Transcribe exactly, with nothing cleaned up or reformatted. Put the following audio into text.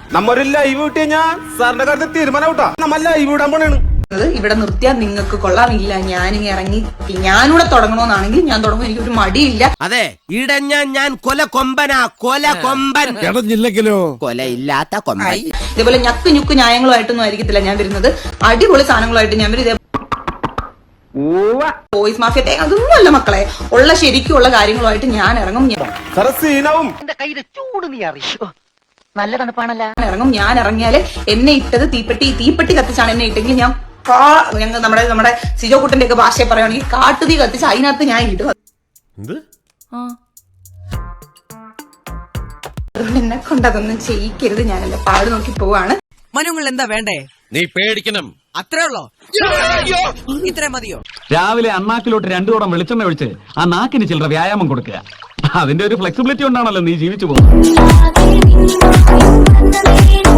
നമ്മൊരു live കിട്ടിയ ഞാൻ സാറിന്റെ കാര്യത്തിൽ തീരുമാനം വിട്ടാ നമ്മ ലൈവ് വിടാൻ പോണേണ്. ഇവിടെ നിർത്തിയാൽ നിങ്ങൾക്ക് കൊള്ളാമില്ല, ഞാനിങ്ങ ഇറങ്ങി ഞാനിവിടെ തുടങ്ങണമെന്നാണെങ്കിൽ ഞാൻ തുടങ്ങും, എനിക്കൊരു മടിയില്ല. അതെ ഇടഞ്ഞ ഞാൻ കൊല കൊമ്പനാ, കൊല കൊമ്പൻ ഇടഞ്ഞില്ലെങ്കിലോ കൊല ഇല്ലാത്ത കൊമ്പൻ. ഇതേപോലെ ഞക്ക് ഞുക്ക് ന്യായങ്ങളുമായിട്ടൊന്നും ആയിരിക്കത്തില്ല ഞാൻ വരുന്നത്, അടിപൊളി സാധനങ്ങളായിട്ട് ഞാൻ വരും. വോയിസ് മാഫിയ അതൊന്നും അല്ല മക്കളെ, ഉള്ള ശരിക്കുള്ള കാര്യങ്ങളുമായിട്ട് ഞാൻ ഇറങ്ങും. സാറേ സീനാവും. ചൂട് നീ അറിയോ, നല്ല തണുപ്പാണല്ല. ഇറങ്ങും ഞാൻ ഇറങ്ങിയാല് എന്നെ ഇട്ടത് തീപ്പെട്ടി തീപ്പെട്ടി കത്തിച്ചാണ് എന്നെ ഇട്ടെങ്കിൽ ഞാൻ ഞങ്ങൾ നമ്മുടെ നമ്മുടെ സിജോ കുട്ടന്റെ ഒക്കെ ഭാഷയെ പറയുകയാണെങ്കിൽ കാട്ടുതീ കത്തിച്ച് അതിനകത്ത് ഞാൻ ഇടും. അതുകൊണ്ട് എന്നെ കൊണ്ട് അതൊന്നും ചെയ്യിക്കരുത്, ഞാനല്ല പാട് നോക്കി പോവാണ്. മനുങ്ങൾ എന്താ വേണ്ടേ? നീ പേടിക്കണം, അത്രേ ഉള്ളോ? ഇത്രേ മതിയോ? രാവിലെ അണ്ണാക്കിലോട്ട് രണ്ടു തോടം വെളിച്ചെണ്ണ ഒഴിച്ച് ആ നാക്കിന് ചില്ലറ വ്യായാമം കൊടുക്കുക. അതിന്റെ ഒരു ഫ്ലെക്സിബിലിറ്റി കൊണ്ടാണല്ലോ നീ ജീവിച്ചു പോകുന്നത്.